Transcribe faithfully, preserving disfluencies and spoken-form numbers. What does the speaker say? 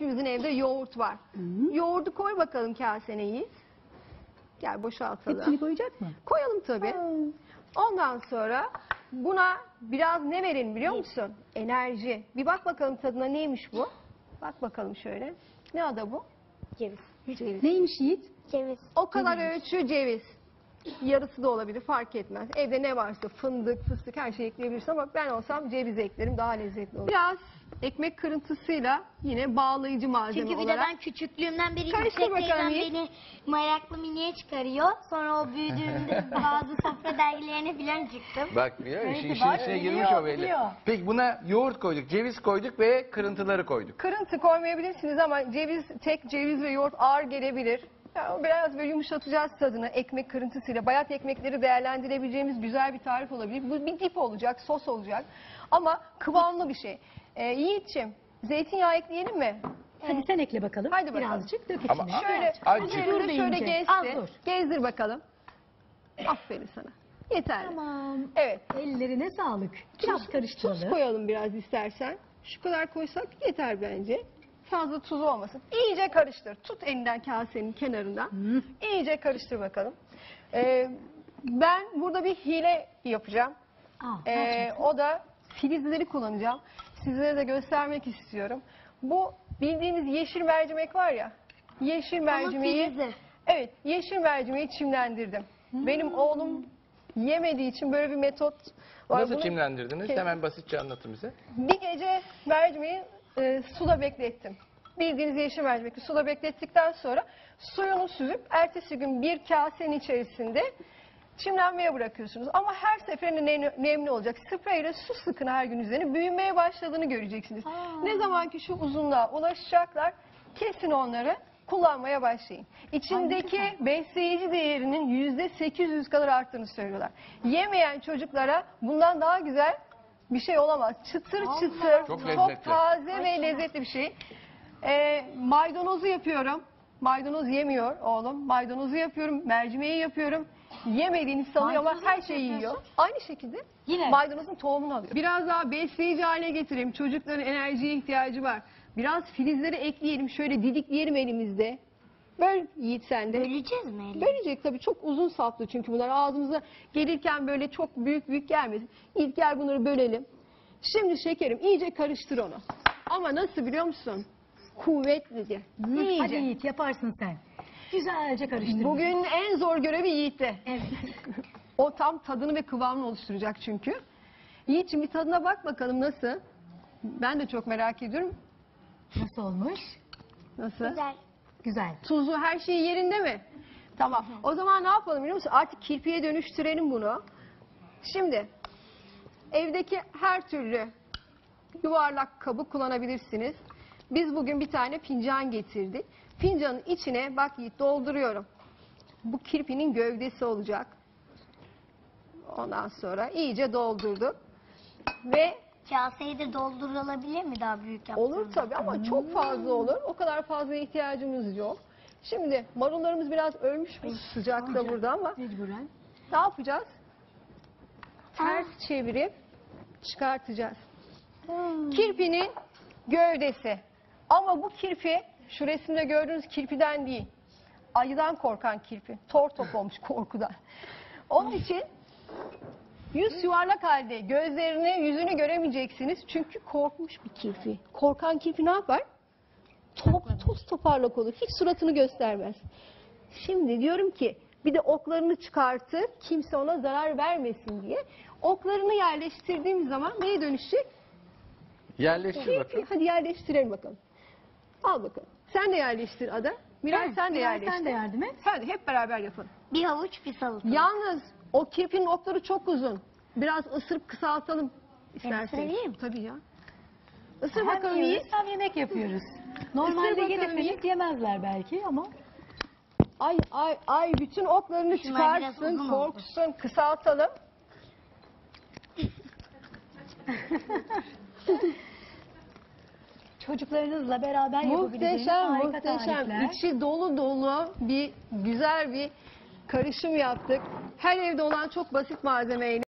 hepimizin evde yoğurt var. Hı. Yoğurdu koy bakalım kasene Yiğit. Gel boşaltalım. Hepsini koyacak mı? Koyalım tabii. Ha. Ondan sonra buna biraz ne verin biliyor musun? Enerji. Bir bak bakalım tadına neymiş bu? Bak bakalım şöyle. Ne adı bu? Ceviz. Ceviz. Neymiş Yiğit? Ceviz. O kadar ölçü ceviz. Yarısı da olabilir fark etmez. Evde ne varsa fındık, fıstık her şeyi ekleyebilirsin ama ben olsam ceviz eklerim daha lezzetli olur. Biraz ekmek kırıntısıyla yine bağlayıcı malzeme Çünkü bir olarak. de ben küçüklüğümden beri Karıştır yüksek bakalım teyzem Yiğit. beni meraklı miniye çıkarıyor. Sonra o büyüdüğümde bazı sofra dergilerine falan çıktım. Bak biliyor musun? Neyse, İşin, işin bak, içine biliyor, girmiş o belli. biliyor. Peki buna yoğurt koyduk, ceviz koyduk ve kırıntıları koyduk. Kırıntı koymayabilirsiniz ama ceviz, tek ceviz ve yoğurt ağır gelebilir. Yani biraz böyle yumuşatacağız tadını ekmek kırıntısıyla. Bayat ekmekleri değerlendirebileceğimiz güzel bir tarif olabilir. Bu bir dip olacak, sos olacak. Ama kıvamlı bir şey. Ee, Yiğit'ciğim, zeytinyağı ekleyelim mi? Hadi sen ekle bakalım. Hadi bakalım. Birazcık dök Ama- içine. Şöyle Azıcık. üzerinde Dur şöyle deyince. gezdir. Az dur. Gezdir bakalım. Aferin sana. Yeterli. Tamam. Evet. Ellerine sağlık. Biraz Tuz karıştıralım. koyalım biraz istersen. Şu kadar koysak yeter bence. Fazla tuz olmasın. İyice karıştır. Tut elinden kasenin kenarından. Hı. İyice karıştır bakalım. Ee, ben burada bir hile yapacağım. Aa, Ee, gerçekten. o da filizleri kullanacağım. Sizlere de göstermek istiyorum. Bu bildiğimiz yeşil mercimek var ya. Yeşil mercimeği. filizi. Evet, yeşil mercimeği çimlendirdim. Benim oğlum yemediği için böyle bir metot var. Nasıl Bunu çimlendirdiniz? Kes- Hemen basitçe anlatın bize. Bir gece mercimeği e, suda beklettim. Bildiğiniz yeşil mercimekli suda beklettikten sonra suyunu süzüp ertesi gün bir kasenin içerisinde çimlenmeye bırakıyorsunuz. Ama her seferinde ne- nemli olacak. Spreyle su sıkın her gün üzerine. Büyümeye başladığını göreceksiniz. Aa. Ne zaman ki şu uzunluğa ulaşacaklar kesin onları kullanmaya başlayın. İçindeki Ay, ne besleyici değerinin yüzde sekiz yüz kadar arttığını söylüyorlar. Yemeyen çocuklara bundan daha güzel bir şey olamaz. Çıtır Allah. çıtır, Çok çok, lezzetli. taze Ay, ve çok. lezzetli bir şey. Ee, maydanozu yapıyorum. Maydanoz yemiyor oğlum. Maydanozu yapıyorum, mercimeği yapıyorum. Yemediğini sanıyor ama Maydanozu her nasıl şeyi yiyor. yapıyorsun? Aynı şekilde Yine. maydanozun tohumunu alıyor. Biraz daha besleyici hale getireyim. Çocukların enerjiye ihtiyacı var. Biraz filizleri ekleyelim. Şöyle didikleyelim elimizde. Böyle Yiğit sen de. Böleceğiz mi eli? Bölecek tabii, çok uzun saplı çünkü bunlar ağzımıza gelirken böyle çok büyük büyük gelmesin. İlk gel bunları bölelim. Şimdi şekerim iyice karıştır onu. Ama nasıl biliyor musun? Kuvvetlice. Hı, İyice. Hadi Yiğit yaparsın sen. Güzelce karıştır. Bugün en zor görevi Yiğit'te. Evet. O tam tadını ve kıvamını oluşturacak çünkü. Yiğit'ciğim bir tadına bak bakalım nasıl? Ben de çok merak ediyorum. Nasıl olmuş? Nasıl? Güzel. Güzel. Tuzu her şey yerinde mi? Tamam. O zaman ne yapalım biliyor musun? Artık kirpiye dönüştürelim bunu. Şimdi evdeki her türlü yuvarlak kabı kullanabilirsiniz. Biz bugün bir tane fincan getirdik. Fincanın içine bak Yiğit dolduruyorum. Bu kirpinin gövdesi olacak. Ondan sonra iyice doldurduk. Ve Kaseyi de doldurulabilir mi daha büyük yaptığımda? olur tabii ama çok fazla olur. O kadar fazla ihtiyacımız yok. Şimdi marullarımız biraz ölmüş bu sıcakta burada ama Mecburen. ne yapacağız? Ters çevirip çıkartacağız. Kirpinin gövdesi. Ama bu kirpi şu resimde gördüğünüz kirpiden değil. Ayıdan korkan kirpi. Tor top olmuş korkudan. Onun için yüz yuvarlak halde gözlerini, yüzünü göremeyeceksiniz. Çünkü korkmuş bir kirpi. Korkan kirpi ne yapar? Top, toz toparlak olur. Hiç suratını göstermez. Şimdi diyorum ki bir de oklarını çıkartır. Kimse ona zarar vermesin diye. Oklarını yerleştirdiğim zaman neye dönüşecek? Yerleştir Kirpi. bakalım. Hadi yerleştirelim bakalım. Al bakalım. Sen de yerleştir Ada. Miray Ben, sen de Miray, yerleştir. sen de yardım et. Hadi hep beraber yapalım. Bir havuç bir salata. Yalnız o kirpinin okları çok uzun. Biraz ısırıp kısaltalım isterseniz. ısırayım. Tabii ya. Isır Hem bakalım yiyoruz Yiğit. hem yemek yapıyoruz. Normalde bakalım gelip Yiğit. gelip yemezler belki ama. Ay ay ay bütün oklarını Şunlar biraz çıkarsın, uzun oldu. korksun, kısaltalım. Çocuklarınızla beraber yapabileceğiniz Muhteşem, harika muhteşem. tarifler. İçi dolu dolu bir güzel bir karışım yaptık. Her evde olan çok basit malzemeyle.